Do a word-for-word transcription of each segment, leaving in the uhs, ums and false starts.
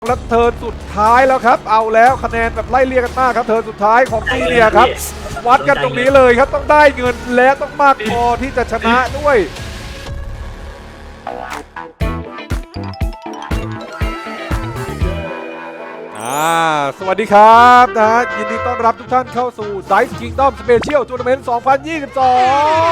แล้วเทิร์นสุดท้ายแล้วครับเอาแล้วคะแนนแบบไล่เรียกกันมากครับเทิร์นสุดท้ายของซีเนียครับวัดกันตรงนี้เลยครับต้องได้เงินและต้องมากพอที่จะชนะด้วยอ่าสวัสดีครับนะฮะยินดีต้อนรับทุกท่านเข้าสู่ Dice Kingdom Special Tournament สองพันยี่สิบสอง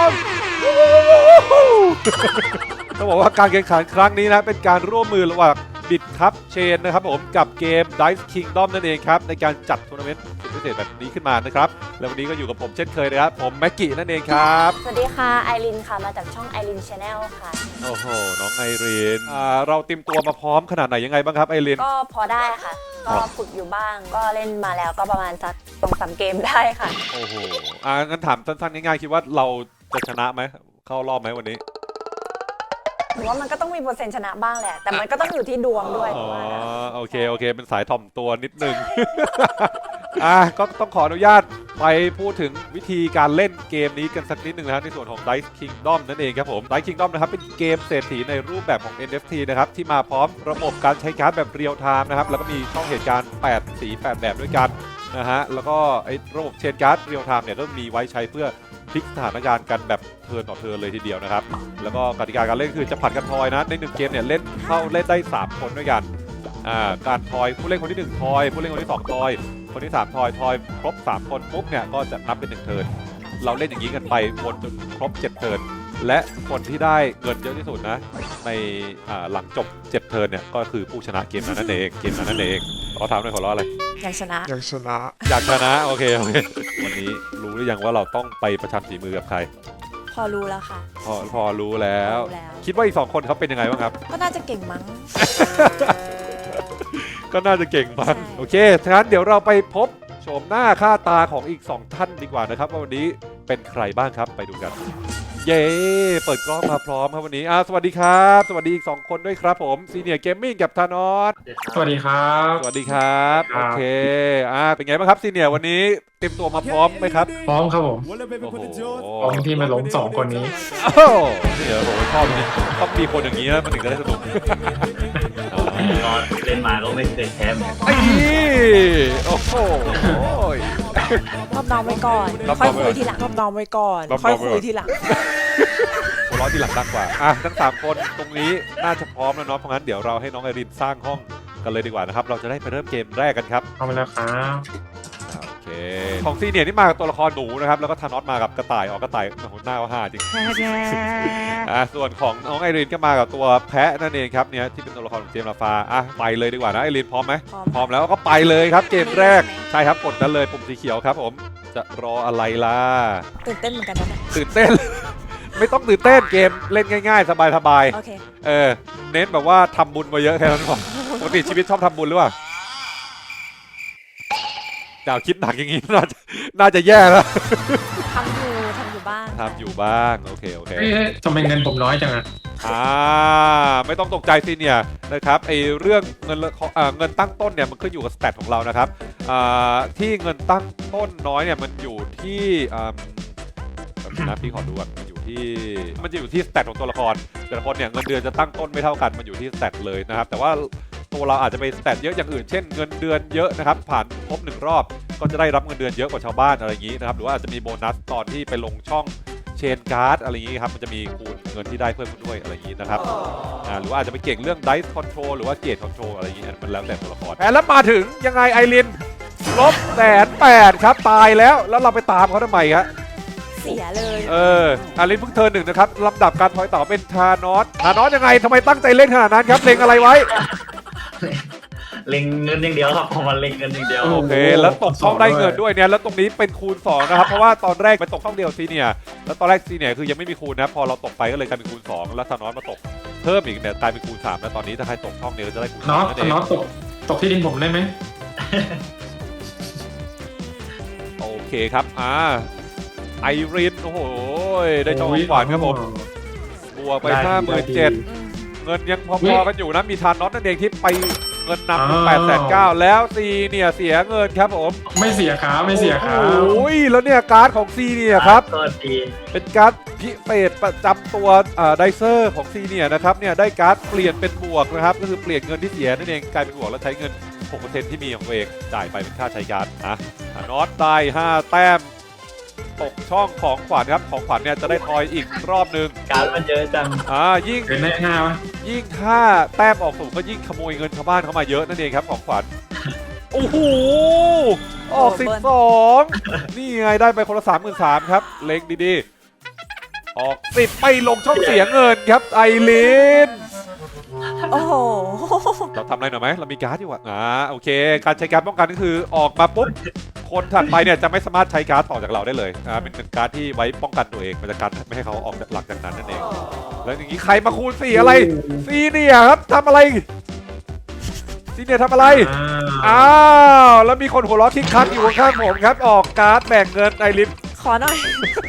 ต้องบอกว่าการแข่งขันครั้งนี้นะเป็นการร่วมมือระหว่างบิดครับเชนนะครับผมกับเกม Dice Kingdom นั่นเองครับในการจัดทัวร์นาเมนต์สุดพิเศษแบบนี้ขึ้นมานะครับแล้ววันนี้ก็อยู่กับผมเช่นเคยนะครับผมแม็กกี้นั่นเองครับสวัสดีค่ะไอรินค่ะมาจากช่องไอริน Channel ค่ะโอ้โหน้องไอรินอ่าเราเตรียมตัวมาพร้อมขนาดไหนยังไงบ้างครับไอรินก็พอได้ค่ะก็ฝึกอยู่บ้างก็เล่นมาแล้วก็ประมาณสักสองสามเกมได้ค่ะโอ้โหอ่างั้นถามสั้นๆง่ายๆคิดว่าเราจะชนะไหมเข้ารอบไหมวันนี้ผมว่ามันก็ต้องมีเปอร์เซ็นต์ชนะบ้างแหละแต่มันก็ต้องอยู่ที่ดวงด้วยอ๋อโอเคโอเคเป็นสายถ่อมตัวนิดนึง อ่ะก็ต้องขออนุญาตไปพูดถึงวิธีการเล่นเกมนี้กันสักนิดนึงนะครับในส่วนของ Dice Kingdom นั่นเองครับผม Dice Kingdom นะครับเป็นเกมเศรษฐีในรูปแบบของ เอ็น เอฟ ที นะครับที่มาพร้อมระบบการใช้การ์ดแบบเรียลไทม์นะครับแล้วก็มีช่องเหตุการณ์แปดสีแปดแบบด้วยกันนะฮะแล้วก็ไอ้ระบบเชนการ์ดเรียลไทม์เนี่ยก็มีไว้ใช้เพื่อพลิกสถานการณ์กันแบบเทิร์นต่อเทิร์นเลยทีเดียวนะครับแล้วก็กติกาการเล่นคือจะผัดกันทอยนะในหนึ่งเกมเนี่ยเล่นเข้าเล่นได้สามคนด้วยกันอ่าการทอยผู้เล่นคนที่หนึ่งทอยผู้เล่นคนที่สองทอยคนที่สามทอยทอยครบสามคนปุ๊บเนี่ยก็จะนับเป็นหนึ่งเทิร์นเราเล่นอย่างนี้กันไปวนจนครบเจ็ดเทิร์นและคนที่ได้เงินเยอะที่สุดนะในหลังจบเจ็ดเทิร์นเนี่ยก็คือผู้ชนะเกมนั้นนั่นเองเกมนั้นนั่นเองขอถามหน่อยขอร้องอะไรอยากชนะอยากชนะอยากชนะโอเคโอเควันนี้รู้หรือยังว่าเราต้องไปประชันฝีมือกับใครพอรู้แล้วค่ะพอพอรู้แล้วคิดว่าอีกสองคนเขาเป็นยังไงบ้างครับก็น่าจะเก่งมั้งก็น่าจะเก่งมั้งโอเคงั้นเดี๋ยวเราไปพบโฉมหน้าค่าตาของอีกสองท่านดีกว่านะครับว่าวันนี้เป็นใครบ้างครับไปดูกันเย้เปิดกล้องมาพร้อมครับวันนี้อ่าสวัสดีครับสวัสดีอีกสองคนด้วยครับผมซีเนียร์เกมมิ่งกับธานอสสวัสดีครับสวัสดีครับโอเคอ่าเป็นไงบ้างครับซีเนียร์วันนี้เตรียมตัวมาพร้อมไหมครับพร้อมครับผมโอ้โหพร้อมที่มาล้มสองคนนี้โอ้เดี๋ยวผมชอบนี่ต้องมีคนอย่างนี้นะมันถึงจะได้สนุกตอนเล่นมาก็ไม่เคยแพ้เหมือนกันไอ้โอ้โหรอบน้องไว้ก่อนค่อยคุยทีหลังรอบน้องไว้ก่อนค่อยคุยทีหลังหัวเราะทีหลังดังกว่าอ่ะทั้งสามคนตรงนี้น่าจะพร้อมแล้วเนาะเพราะงั้นเดี๋ยวเราให้น้องไอรินสร้างห้องกันเลยดีกว่านะครับเราจะได้ไปเริ่มเกมแรกกันครับเอาไปแล้วครับโอเคของซีเนียร์นี่มากับตัวละครหนูนะครับแล้วก็ธานอสมากับกระต่ายออกกระต่ายหน้าว่าห้าจริงอ่ะส่วนของน้องไอรินก็มากับตัวแพะนั่นเองครับเนี่ยที่เป็นตัวละครของเจมส์ลาฟาอ่ะไปเลยดีกว่านะไอรินพร้อมไหมพร้อมแล้วก็ไปเลยครับเกมแรกใช่ครับกดกันเลยปุ่มสีเขียวครับผมจะรออะไรล่ะตื่นเต้นเหมือนกันนะตื่นเต้นไม่ต้องตื่นเต้นเกมเล่นง่ายๆสบายๆโอเคเออเน้นแบบว่าทำบุญมาเยอะแค่นั้นพอปกติชีวิตชอบทำบุญหรือเปล่าดาวคิดหนักอย่างงี้น่าจะน่าจะแย่แล้วทำอยู่ทำอยู่บ้างทำอยู่บ้างโอเคโอเคทำไมเงินผมน้อยจังอ่ะอ่าไม่ต้องตกใจสิเนี่ยนะครับไอเรื่องเงินเงินตั้งต้นเนี่ยมันขึ้นอยู่กับสแตทของเรานะครับที่เงินตั้งต้นน้อยเนี่ยมันอยู่ที่นะพี่ขอดูก่อนมันอยู่ที่มันจะอยู่ที่สแตทของตัวละครแต่ละคนเนี่ยเงินเดือนจะตั้งต้นไม่เท่ากันมันอยู่ที่สแตทเลยนะครับแต่ว่าตัวเราอาจจะไปสแตทเยอะอย่างอื่นเช่นเงินเดือนเยอะนะครับผ่านครบหนึ่งรอบก็จะได้รับเงินเดือนเยอะกว่าชาวบ้านอะไรอย่างนี้นะครับหรือว่าอาจจะมีโบนัสตอนที่ไปลงช่องเชนการ์ดอะไรอย่างนี้ครับมันจะมีคูณเงินที่ได้เพิ่มขึ้นด้วยอะไรอย่างนี้นะครับอ่าหรือว่าอาจจะไปเก่งเรื่อง Dice Control หรือว่าเกรด Control อะไรอย่างนี้มันแล้วแต่ตัวละครแแล้วมาถึงยังไงไอรินลบแสนแปดครับตายแล้วแล้วเราไปตามเขาทำไมครับเสียเลยเอออารินเพิ่งเทิร์นหนึ่งนะครับลำดับการทอยต่อเป็นธานอสธานอสยังไงทำไมตั้งใจเล่นขนาดนั้นครับเล็งอะไรไว้เล็งเงินอย่างเดียวครับผมมันเล็งเงินอย่างเดียวโอเคแล้วตกช่องได้เงินด้วยเนี่ยแล้วตรงนี้เป็นคูณสองนะครับเพราะว่าตอนแรกไปตกช่องเดียวซีเนียแล้วตอนแรกซีเนียคือยังไม่มีคูณนะพอเราตกไปก็เลยกลายเป็นคูณสองแล้วธานอสมาตกเพิ่มอีกเนี่ยกลายเป็นคูณสามแล้วตอนนี้ถ้าใครตกช่องเดียวจะได้คูณสามนั่นเองธานอสตกตกที่ดินผมได้ไหมโอเคครับอ่าไอรินโอ้โหได้ช่องขวานครับผมบวกไปห้าหมื่นเจ็ดเงินยังพอๆกันอยู่นะมีธานอสนั่นเองที่ไปเงินนำเป็นแปดแสนเก้าแล้วซีเนี่ยเสียเงินครับผมไม่เสียขาไม่เสียขาโอ้ยแล้วเนี่ยการ์ดของซีเนี่ยครับก็ดีเป็นการ์ดพิเศษประจำตัวไดเซอร์ของซีเนี่ยนะครับเนี่ยได้การ์ดเปลี่ยนเป็นบวกนะครับก็คือเปลี่ยนเงินที่เสียนั่นเองกลายเป็นบวกแล้วใช้เงิน หกเปอร์เซ็นต์ ที่มีของตัวเองจ่ายไปเป็นค่าใช้การ์ดอ่ะน็อตได้ห้าแต้มตกช่องของขวัญครับของขวัญเนี่ยจะได้ทอยอีกรอบนึงการมันเยอะจังอ่ายิ่งเป็นได้ห้าวะยิ่งถ้าแต้มออกสูงก็ยิ่งขโมยเงินชาวบ้านเข้ามาเยอะนั่นเองครับของขวัญโอ้โหออกสิบสองนี่ไงได้ไปคนละสามหมื่นสามครับเล็งดีๆออกสิบไปลงช่องเสียเงินครับไอรินโอ้โหเราทำอะไรหน่อยไหมเรามีการ์ดอยู่อ่ะอ่าโอเคการใช้การ์ดป้องกันก็คือออกมาปุ๊บคนถัดไปเนี่ยจะไม่สามารถใช้การ์ดต่อจากเราได้เลยอ่าเป็นการ์ดที่ไว้ป้องกันตัวเองมันจะกันไม่ให้เขาออกหลังจากนั้นนั่นเองแล้วอย่างนี้ใครมาคูณสี่อะไรซีเนี่ยครับทำอะไรซีเนี่ยทำอะไรอ้าวแล้วมีคนหัวเราะคิกคักอยู่ข้างๆผมครับออกการ์ดแบ่งเงินไอรินขอหน่อย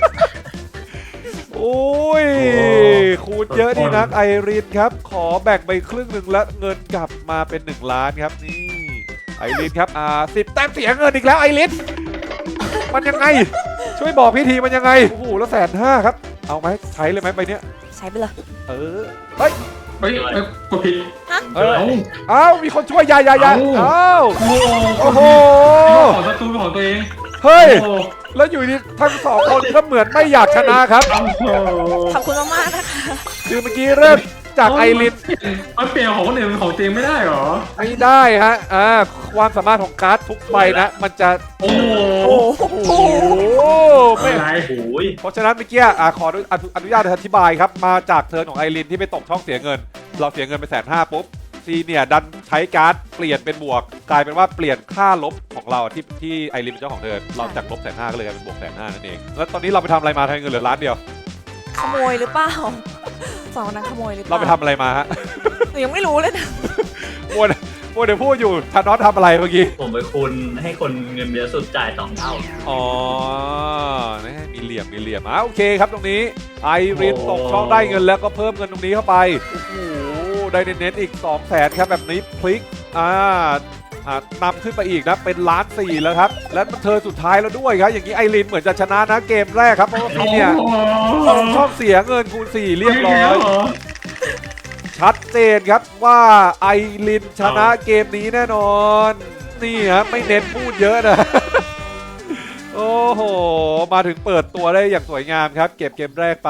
โอ้ยคูณเยอะดีนักไอรินครับขอแบ่งไปครึ่งหนึ่งแล้วเงินกลับมาเป็นหนึ่งล้านครับนี่ไอรินครับอ่าสิบแต้มเสียเงินอีกแล้วไอรินมันยังไงช่วยบอกพี่ทีมันยังไงโอ้โหแล้วแสนห้าครับเอาไหมใช้เลยไหมไปเนี้ยใช้ไปเลยเออเฮ้ยเฮ้ยเอ้ยกดผิดเออเอ้าเอ้ามีคนช่วยยายายาเอ้าเอ้าโอ้โอ้โหของศัตรูเป็นของตัวเองเฮ้ยโอ้แล้วอยู่ดีทั้งสองคนก็เหมือนไม่อยากชนะครับโอ้โหขอบคุณมากๆนะคะคือเมื่อกี้เริ่มจากไอรินมันเปลี่ยนของคนอื่นเป็นของตัวเองไม่ได้เหรอไม่ได้ฮะ อ่า ความสามารถของการ์ดทุกใบนะ มันจะโอ้โหโอ้โหโอ้ไม่อะไรโอ้ยเพราะฉะนั้นเมื่อกี้อ่าขออนุอนุญาตอธิบายครับ มาจากเทิร์นของไอรินที่ไปตกช่องเสียเงิน เราเสียเงินไปแสนห้าปุ๊บ ซีเนี่ยดันใช้การ์ดเปลี่ยนเป็นบวก กลายเป็นว่าเปลี่ยนค่าลบของเราที่ที่ไอรินเป็นเจ้าของเทิร์นเราจากลบแสนห้าก็เลยกลายเป็นบวกแสนห้านั่นเอง แล้วตอนนี้เราไปทำอะไรมาทำให้เงินเหลือล้านเดียวขโมยหรือเปล่าสองคนนั้นขโมยหรือเปเราล่าไปทำอะไรมาฮะหนูยังไม่รู้เลยนะมัวมัวเดี๋ยวพูดอยู่ธานอสทำอะไรเมื่อกี้ผมไปคูณให้คนเงินเยอะสุดจ่ายสองเท่าอ๋อนะมีเหลี่ยมมีเหลี่ยมอ่ะโอเคครับตรงนี้ไอรินตกช่องได้เงินแล้วก็เพิ่มเงินตรงนี้เข้าไปโอ้โหได้เน้นๆอีกสองแสนครับแบบนี้พลิกอ่าอ่านำขึ้นไปอีกนะเป็นล้านสี่แล้วครับและมันเธอสุดท้ายแล้วด้วยครับอย่างนี้ไอรินเหมือนจะชนะนะเกมแรกครับเพราะว่าพี่เนี่ยตกช่องเสียเงินคูณสี่เรียบร้อยชัดเจนครับว่าไอรินชนะเกมนี้แน่นอนนี่ฮะไม่เน้นพูดเยอะนะ โอ้โห มาถึงเปิดตัวได้อย่างสวยงามครับ เก็บเกมแรกไป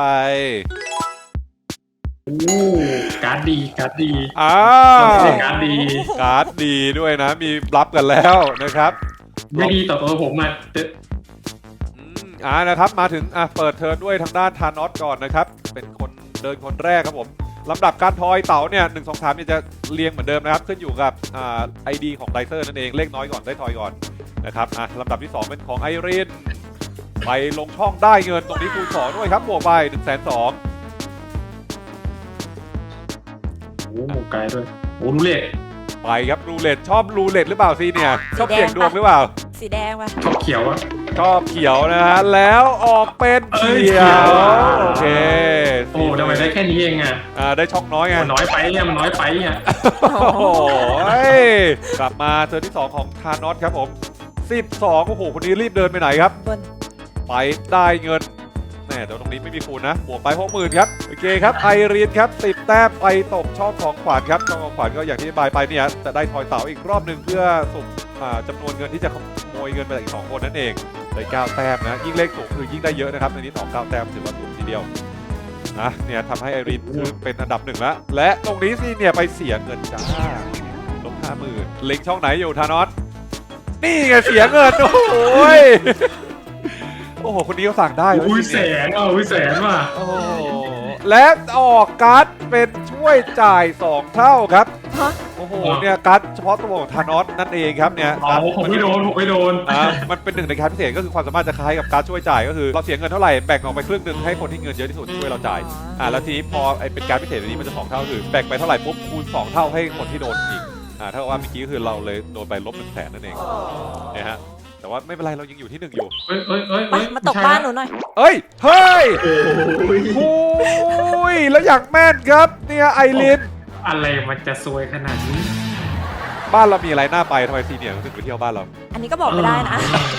โอ้การ์ดดีการ์ดดีอ้าต้องวเสียการ์ดดีการ์ดดีด้วยนะ มีรับกันแล้วนะครับไม่ดีต่อตัวผมอ่ะจะอืมอ่านะครับ มาถึงอ่ะเปิดเทิร์นด้วยทางด้านทานอสก่อนนะครับ เป็นคนเดินคนแรกครับผมลำดับการทอยเต๋าเนี่ยหนึ่งสองสามเนี่ยจะเรียงเหมือนเดิมนะครับ ขึ้นอยู่กับอ่าไอดีของไดเซอร์นั่นเอง เลขน้อยก่อนได้ทอยก่อนนะครับอ่ะลำดับที่สองเป็นของไอรินไปลงช่องได้เงินตรงนี้คูณสองด้วยครับบวกไปหนึ่งแสนสองโอ้ไกลด้วยโอ้รู้เลยไปครับรูเล็ตชอบรูเล็ตหรือเปล่าซีเนี่ยชอบเสี่ยงดวงหรือเปล่าสีแดงปะชอบเขียวอ่ะชอบเขียวนะฮะแล้วออกเป็นเขียวเอ้ยโอเคโอ้ทำไมได้แค่นี้เองอ่ะอ่าได้ช่องน้อยไงมันน้อยไปเนี่ยมันน้อยไปอ่ะโอ้โหกลับมาเทิร์นที่สองของทานอสครับผมสิบสองโอ้โหคนนี้รีบเดินไปไหนครับบนไปได้เงินแน่เดี๋ยวตรงนี้ไม่มีคูณนะบวกไปหกหมื่นครับโอเคครับไอรีนครับสิบแต้มไปตกช่องของขวัญครับช่องของขวัญก็อย่างที่บายไปเนี่ยจะได้ทอยเต๋าอีกรอบหนึ่งเพื่อสุ่มอ่าจำนวนเงินที่จะขโมยเงินไปจากอีกสองคนนั่นเองได้เก้าแต้มนะยิ่งเลขสูงคือยิ่งได้เยอะนะครับในนี้สองเก้าแต้มถือว่าสูงทีเดียวนะเนี่ยทำให้ไอรีนคือเป็นอันดับหนึ่งแล้วและตรงนี้สิเนี่ยไปเสียเงินจ้าลบห้าหมื่นเล็งช่องไหนอยู่ทานอสนี่ไงเสียเงินโอ้ยโอ้โหคนนี้เขาสั่งได้เว้ยอุ้ยแสนอ่ะอุ้ยแสนว่ะโอ้โหและออกการ์ดเป็นช่วยจ่ายสองเท่าครับฮะโอ้โหเนี่ยการ์ดเฉพาะตัวของธานอสนั่นเองครับเนี่ยอ๋อผมไม่โดนผมไม่โดนอ่ามันเป็นหนึ่งในการดพิเศษก็คือความสามารถจะคล้ายกับการดช่วยจ่ายก็คือเราเสียเงินเท่าไหร่แบ่งออกไปครึ่งหนึ่งให้คนที่เงินเยอะที่สุดช่วยเราจ่ายอ่าแล้วทีนี้พอไอเป็นการดพิเศษอันนี้มันจะสองเท่าคือแบ่งไปเท่าไหร่ปุ๊บคูณสองเท่าให้คนที่โดนอีกอ่าเท่ากับว่าเมื่อกี้คือเราเลยโดนไปลบหนึ่งแสนนั่นเองเนี่ยฮะแต่ว่าไม่เป็นไรเรายังอยู่ที่หนึ่งอยู่เอ้ยเอ้ยเอ้ยไปเอ้ยมาตกบ้านหนูหน่อยเอ้ยเฮ้ยโอ้ยโอ้ยแล้วอยากแม่นครับเนี่ยไอรินอะไรมันจะซวยขนาดนี้บ้านเรามีอะไรน่าไปทำไมซีเนียร์ถึงไปเที่ยวบ้านเราอันนี้ก็บอกไม่ได้นะ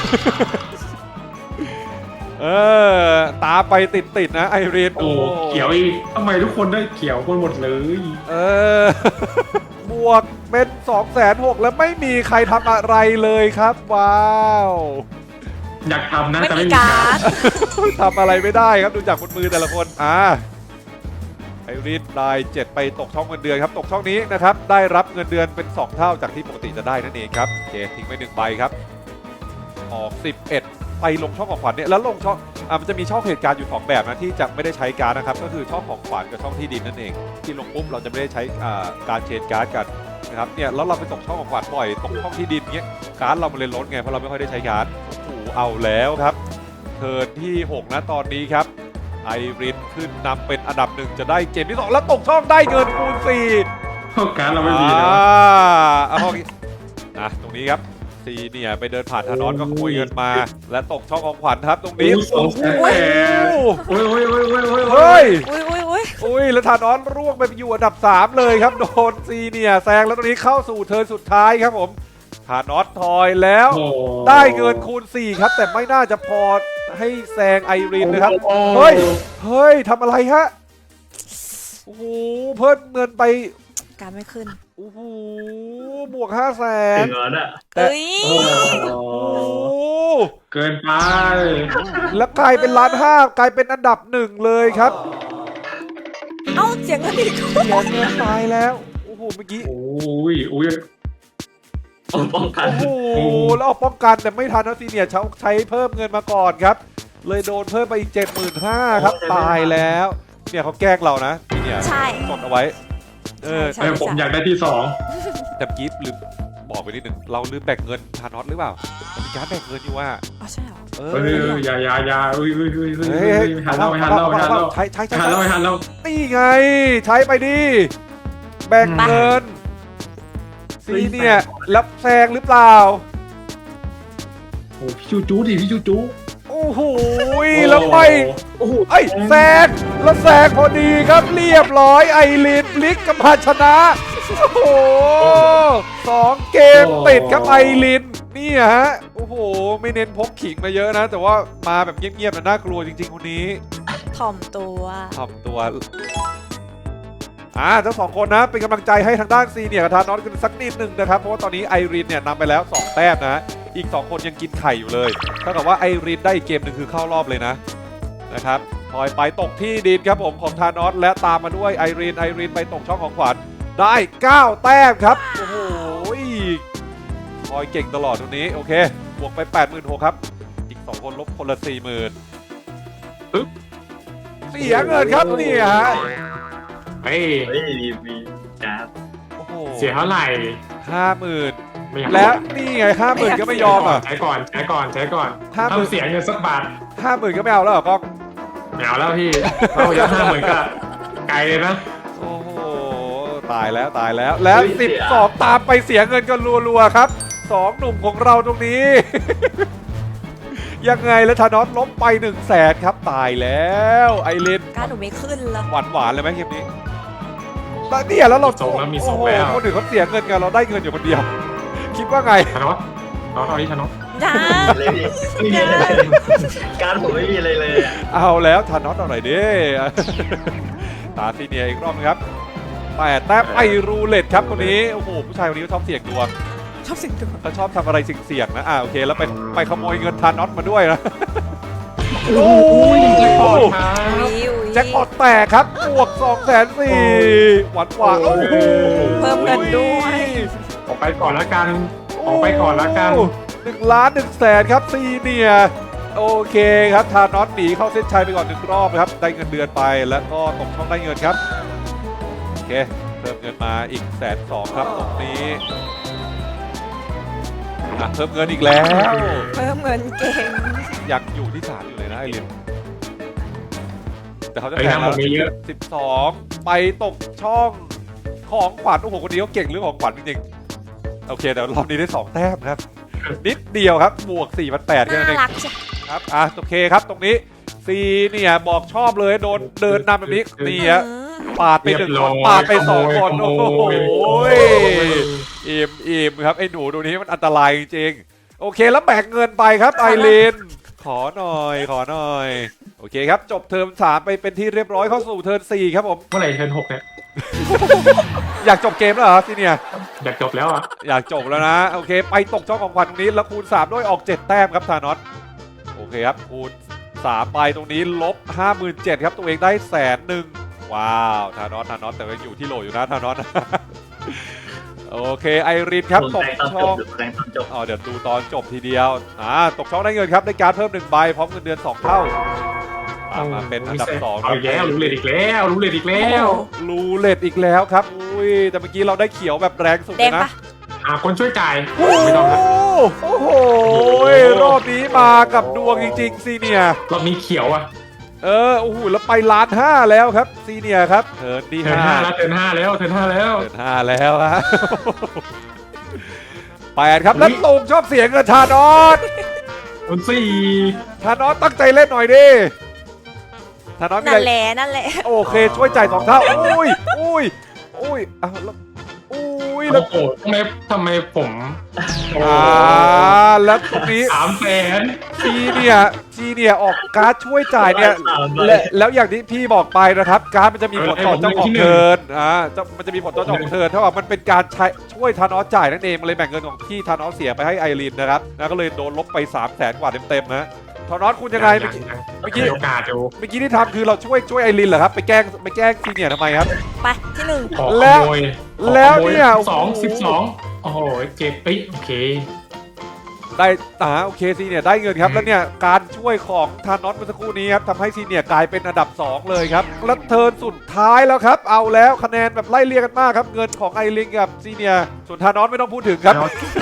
เออตามไปติดติดๆนะไอรีนโอ้เขียวอีกทำไมทุกคนได้เขียวคนหมดเลยเออ บวกเป็นสองแสนหกแล้วไม่มีใครทำอะไรเลยครับว้าวอยากทำนะไม่แต่มีไม่มีการการ์ดทำอะไรไม่ได้ครับดูจากบนมือแต่ละคนอ่าไอรีนได้เจ็ดไปตกช่องเงินเดือนครับตกช่องนี้นะครับได้รับเงินเดือนเป็นสองเท่าจากที่ปกติจะได้นั่นเองครับโอเคทิ้งไปหนึ่งใบครับออกสิบเอ็ดไปลงช่องของขวัญเนี่ยแล้วลงช่องอ่ามันจะมีช่องเหตุการณ์อยู่สองแบบนะที่จะไม่ได้ใช้การ์ดนะครับก็คือช่องของขวัญกับช่องที่ดินนั่นเองที่ลงปุ๊บเราจะไม่ได้ใช้อ่าการเชนการ์ดกันนะครับเนี่ยแล้วเราไปตกช่องของขวัญบ่อยตกช่องที่ดินเงี้ยการ์ดเรามันเลยล้นไงเพราะเราไม่ค่อยได้ใช้การ์ดโอ้โหเอาแล้วครับเทิร์นที่หกนะตอนนี้ครับไอรินขึ้นนำเป็นอันดับหนึ่งจะได้เกมที่สองแล้วตกช่องได้เงินคูณสี่การดเราไม่มีนะอ่าเอาห้องนี้อ่ะตรงนี้ครับซีเนี่ยไปเดินผ่านธานอสก็ขโมยเงินมา และตกช่องของขวัญครับตรงนี้สองแสนแปดโอ้ยโอ้ยโอ้ยโอ้ยโอ้ยเฮ้ยอุ้ยอุ้ยอุ้ยอุ้ยแล้วธานอสร่วงไปอยู่อันดับสามเลยครับโดนซีเนี่ยแซงแล้วตรงนี้เข้าสู่เทิร์นสุดท้ายครับผมธานอสทอยแล้วโอ้ได้เงินคูณสี่ครับแต่ไม่น่าจะพอให้แซงไอรินนะครับโอ้เฮ้ย เฮ้ยทำอะไรฮะโอ้โหเพิ่มเงินไปการไม่ขึ้นโอ้โหบวกห้าแสนถึงแล้วน่ะแต่เอ้ยโอ้โอ้โหเกินไปแล้วกลายเป็นล้านห้ากลายเป็นอันดับหนึ่งเลยครับเอ้าเสียงเงินอีกเสียเงินตายแล้วโอ้โหเมื่อกี้โอ้ยโอ้ยป้องกันโอ้โหแล้วเอาป้องกันแต่ไม่ทันนะซีเนียร์ใช้ใช้เพิ่มเงินมาก่อนครับ เลยโดนเพิ่มไปอีก เจ็ดหมื่นห้าพัน ครับตายแล้วเนี่ยเขาแกล้งเรานะซีเนียร์ใช่กดเอาไว้เออใช่เออผมอยากได้ที่สองแต่กิฟลืมบอกไปนิดหนึ่งเราลืมแบ่งเงินทานอสหรือเปล่ามีการแบ่งเงินอยู่ว่าอ๋อใช่เหรอเอเฮ้ยออย่าอย่าอย่าเฮ้ยเฮ้ยเฮ้ยเฮ้ยเฮ้ยเฮ้ยหันเล่าหันเล่าหันเล่าใช้ใช้ใช้หันเล่าหันเล่านี่ไง ใช้ไปดิแบ่งเงินซีเนี่ยรับแซงหรือเปล่าโอ้พี่จูจูดิพี่จูจูโอ้โหแล้วไม่โอ้โหไอ้ยแซงแล้วแซงพอดีครับเรียบร้อยไอรินพลิกกับมาชนะโอ้โหสองเกมติดครับไอรินนี่ฮะโอ้โหไม่เน้นพกขิงมาเยอะนะ แต่ว่ามาแบบเงียบๆนะน่ากลัวจริงๆคนนี้ถ่อมตัวทำตัวอ่าทั้งสองคนนะเป็นกำลังใจให้ทางด้านซีเนี่ยกับทานอสกันสักนิดหนึ่งนะครับเพราะว่าตอนนี้ไอรินเนี่ยนำไปแล้วสองแต้มนะอีกสองคนยังกินไข่อยู่เลยเท่ากับว่าไอรินได้อีกเกมหนึ่งคือเข้ารอบเลยนะนะครับทอยไปตกที่ดินครับผมของทานอสและตามมาด้วยไอรินไอรินไปตกช่องของขวัญได้เก้าแต้มครับโอ้โหทอยเก่งตลอดตรงนี้โอเคบวกไป แปดหมื่นหกพัน ครับอีกสองคนลบคนละ สี่หมื่นปึ๊บเสียเงินครับนี่ฮะเฮ้ยเฮ้ยมีมีการ์ดโอ้โหเสียเท่าไหร่ห้าหมื่นไม่อยากแล้วนี่ไงห้าหมื่นก็ไม่ยอมอ่ะใช้ก่อนใช้ก่อนใช้ก่อนห้าหมื่นทำเสียเงินสักบาทห้าหมื่นก็ไม่เอาแล้วเหรอกล้องไม่เอาแล้วพี่เราจะห้าหมื่นก็ไกลเลยนะโอ้โหตายแล้วตายแล้วแล้วสิบสองตามไปเสียเงินกันรัวๆครับสองหนุ่มของเราตรงนี้ ยังไงแล้วธานอสล้มไปหนึ่งแสนครับตายแล้วไอรินการหนูไม่ขึ้นแล้วหวานหวานๆเลยไหมเกมนี้แล้วเนี่ยแล้วเราส่งแล้วมีส่งโอ้โหแล้วคนอื่นเขาเสียเงินกันเราได้เงินอยู่คนเดียว คิดว่าไงชนกน้องตอนนี้ชนกจ้าเลยพี่ไม่มีอะไรเลยการ์ดผมไม่มีอะไรเลยอะเอาแล้วธานอสเอาหน่อยดิ ตาซีเนียร์อีกรอบนึงครับแต่แต้มไอรูเล็ตครับคนนี้โอ้โหผู้ชายคนนี้เขาชอบเสี่ยงดวงชอบเสิ่งตัวเขาชอบทำอะไรเสี่ยงๆนะอ่าโอเคแล้วไปไปขโมยเงินทานอสมาด้วยนะโอ้ยแจ็คพอตครับวิวแจ็คพอตแตกครับบวกสองแสนสี่หวานหวานโอ้โหเพิ่มเงินด้วยออกไปก่อนละกัน ออกไปก่อนละกันหนึ่งล้านหนึ่งแสนครับซีเนียร์โอเคครับทานอสหนีเข้าเส้นชัยไปก่อนหนึ่งรอบครับได้เงินเดือนไปแล้วก็ตกช่องได้เงินครับโอเคเพิ่มเงินมาอีกแสนสองครับตรงนี้อ่ะเพิ่มเงินอีกแล้วเพิ่มเงินเก่งยังอยู่ที่สามอยู่เลยนะไอรินแต่เขาจะไอ้แข่งน้ำผมมีเยอะสิบสองไปตกช่องของขวัญโอ้โหคนนี้เขาเก่งเรื่องของขวัญจริงๆโอเคแต่รอบนี้ได้สองแต้มครับ นิดเดียวครับบวก สี่พันแปดร้อย แค่นั้นเองน่ารักใช่ครับอ่ะโอเคครับตรงนี้ซีเนี่ยบอกชอบเลยโดนเดินนำแบบนี้นี่ฮะอืมปาดไปหนึ่งเรียบคร้อน ยปาดไปสองคนขโอ้โมโหยขโมยอิ่มอิ่มครับไอ้หนูตัวนี้มันอันตรายจริงๆโอเคแล้วแบ่งเงินไปครับไอรีนขอหน่อยขอหน่อยโอเคครับจบเทอมสามไปเป็นที่เรียบร้อยเข้าสู่เทอมสี่ครับผมเมื่อไหร่เทิร์นหกเนี่ยอยากจบเกมแล้วเหรอซีเนียร์อยากจบแล้วอ่ะอยากจบแล้วนะโอเคไปตกช่องของขวัญตรงนี้แล้วคูณสามด้วยออกเจ็ดแต้มครับธานอสโอเคครับคูณสามไปตรงนี้ลบ ห้าหมื่นเจ็ดพัน ครับตัวเองได้แสนหนึ่งว้าวธานอสธานอสแต่ว่าอยู่ที่โหลอยู่นะธานอส โอเคไอรินครับตกตอนช่จอบ งหรือแรงตอนจบอ๋อเดี๋ยวดูตอนจบทีเดียวอ่าตกช่องได้เงินครับได้การดเพิ่มหนึ่งใบพร้อมเงินเดือนสองเท่าตามมาเป็นอันดับสองคเอารับอีกแล้วรู้เลยอีกแล้วรู้เลยอีกแล้วรูเล็ตอีกแล้วครับอุ้ยแต่เมื่อกี้เราได้เขียวแบบแรงสุดแดเลงยนะปะหาคนช่วยจ่ายโอ้ไม่ต้องครับโอ้โหรอบนี้มากับดวงจริงๆซีเนียร์รอบนี้เขียวอ่ะเออโอ้โหแล้วไปล้านห้าแล้วครับซีเนียร์ครับเทิร์นที่เทิร์นห้าห้าแล้วเทิร์นห้าแล้วเทิร์นห้าแล้วเทิร์นห้าแล้วฮะ แปดครับแล้วตรงชอบเสียงกับธานอสคนสี่ธานอสตั้งใจเล่นหน่อยดิธานอสมีนั่อะนไรแหละนั่นแหละโอเคช่วยจ่ายสองเท่าอุ้ยอุ้ยอุ้ยอ้าวแล้วอุ้ยแล้โอ้วโหทำไมทำไมผมโอ้อ่าแล้วตรงนี้สามแสนซีเนี่ยซีเนี่ยออกการ์ดช่วยจ่ายเนี่ยและแล้วอย่างที่พี่บอกไปนะครับการ์ดมันจะมีผลต่อเจ้าของเทิร์นอ่าจะมันจะมีผลต่อเจ้าของเทิร์นเท่ากับมันเป็นการใช้ช่วยธานอสจ่ายนั่นเองมันเลยแบ่งเงินของที่ธานอสเสียไปให้ไอรีนนะครับแล้วก็เลยโดนลบไปสามแสนกว่าเต็มๆนะธานอสคุณยังไงเมื่อกี้ เมื่อกี้โอกาสอยู่เมื่อกี้ที่ทำคือเราช่วยช่วยไอรินเหรอครับไปแกล้งไปแกล้งซีเนียร์ทำไมครับไปที่หนึ่งขอขแล้วโมยแล้วเนี่ยสองโอ้โหสิบสองโอ้โหเจ็บปิ๊โอเคได้อ่าโอเคซีเนียร์ได้เงินครับแล้วเนี่ยการช่วยของธานอสเมื่อสักครู่นี้ครับทำให้ซีเนียร์กลายเป็นอันดับสองเลยครับแล้วเทิร์นสุดท้ายแล้วครับเอาแล้วคะแนนแบบไล่เรียกกันมากครับเงินของไอรินกับซีเนียร์ส่วนธานอสไม่ต้องพูดถึงครับ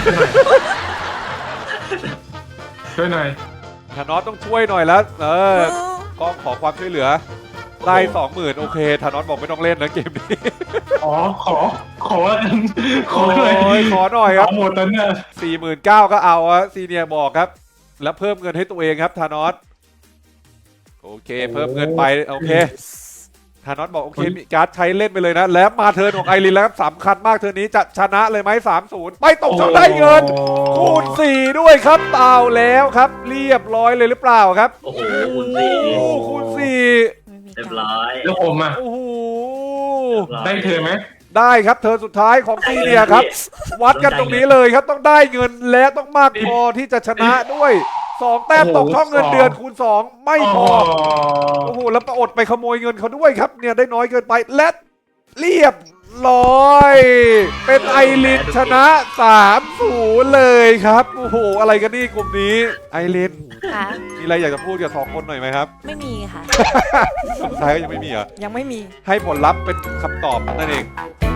ช่วยหน่อยธานอสต้องช่วยหน่อยแล้วเออก็ขอความช่วยเหลือได้สองหมื่นโอเคธานอสบอกไม่ต้องเล่นนะเกมนี้อ๋อขอขอขอโอ้หน่อยยขอหน่อยครับขอหมดตอนเนี้ยสี่หมื่นเก้าก็เอาอะซีเนียร์บอกครับ แล้วเพิ่มเงินให้ตัวเองครับธานอสโอเค เพิ่มเงินไปโอเคธานอสบอกโอเคมีการ์ดใช้เล่นไปเลยนะ แล้วมาเทิร์นของไอรินแล้วครับสำคัญมากเทิร์นนี้จะชนะเลยไหมสามศูนย์ไปตกช่องได้เงิน คูณสี่ด้วยครับเอาแล้วครับ เรียบร้อยเลยหรือเปล่าครับโอ้โหคูณสี่โอ้โหคูณสี่ไม่มีเรียบการร้อยแล้วผมอ่ะโอ้โหได้เธอไหมได้ครับเทิร์นสุดท้ายของซีเนียร์ครับ วัดกันตรงนี้เลยครับต้องได้เงินและต้องมากพอที่จะชนะด้วยสองแต้มตกช่องเงินเดือนคูณสองไม่พอโอ้โหแล้วประอดไปขโมยเงินเขาด้วยครับเนี่ยได้น้อยเกินไปและเรียบร้อย เป็นไอรินชนะสามศูนย์เลยครับโอ้โหอะไรกันนี่กลุ่มนี้ไอรินค่ะมีอะไรอยากจะพูดกับสองคนหน่อยไหมครับไม่มีค่ะสุดท้ายก็ยังไม่มีเหรอยังไม่มีให้ผลลัพธ์เป็นคำตอบนั่นเองเป็น